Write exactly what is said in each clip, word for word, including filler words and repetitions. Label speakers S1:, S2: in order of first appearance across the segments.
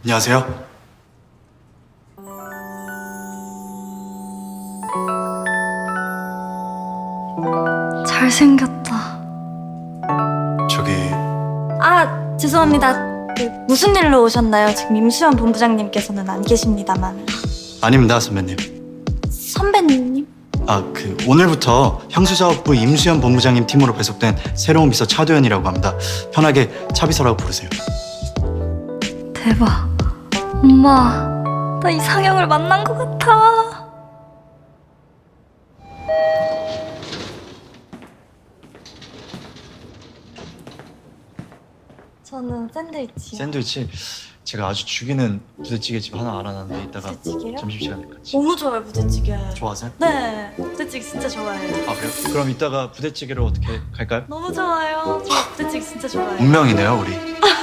S1: 안녕하세요.
S2: 잘생겼다.
S1: 저기
S2: 아, 죄송합니다. 그 무슨 일로 오셨나요? 지금 임수연 본부장님께서는 안 계십니다만.
S1: 아닙니다, 선배님.
S2: 선배님?
S1: 아, 그 오늘부터 향수사업부 임수연 본부장님 팀으로 배속된 새로운 비서 차도현이라고 합니다. 편하게 차비서라고 부르세요.
S2: 대박. 엄마, 나 이상형을 만난 것 같아. 저는 샌드위치요.
S1: 샌드위치 제가 아주 죽이는 부대찌개 집 하나 알아놨는데 이따가
S2: 부대찌개요?
S1: 점심시간에 같이.
S2: 너무 좋아요, 부대찌개.
S1: 좋아하세요?
S2: 네, 부대찌개 진짜 좋아해요.
S1: 아, 그래요? 그럼 이따가 부대찌개로 어떻게 갈까요?
S2: 너무 좋아요. 저 부대찌개 진짜 좋아해요.
S1: 운명이네요, 우리.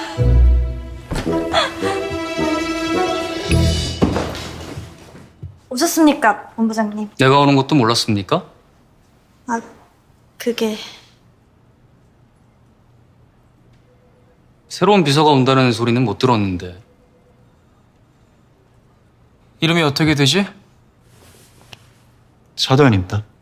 S2: 오셨습니까, 본부장님?
S3: 내가 오는 것도 몰랐습니까?
S2: 아, 그게...
S3: 새로운 비서가 온다는 소리는 못 들었는데.
S4: 이름이 어떻게 되지?
S1: 차도현입니다.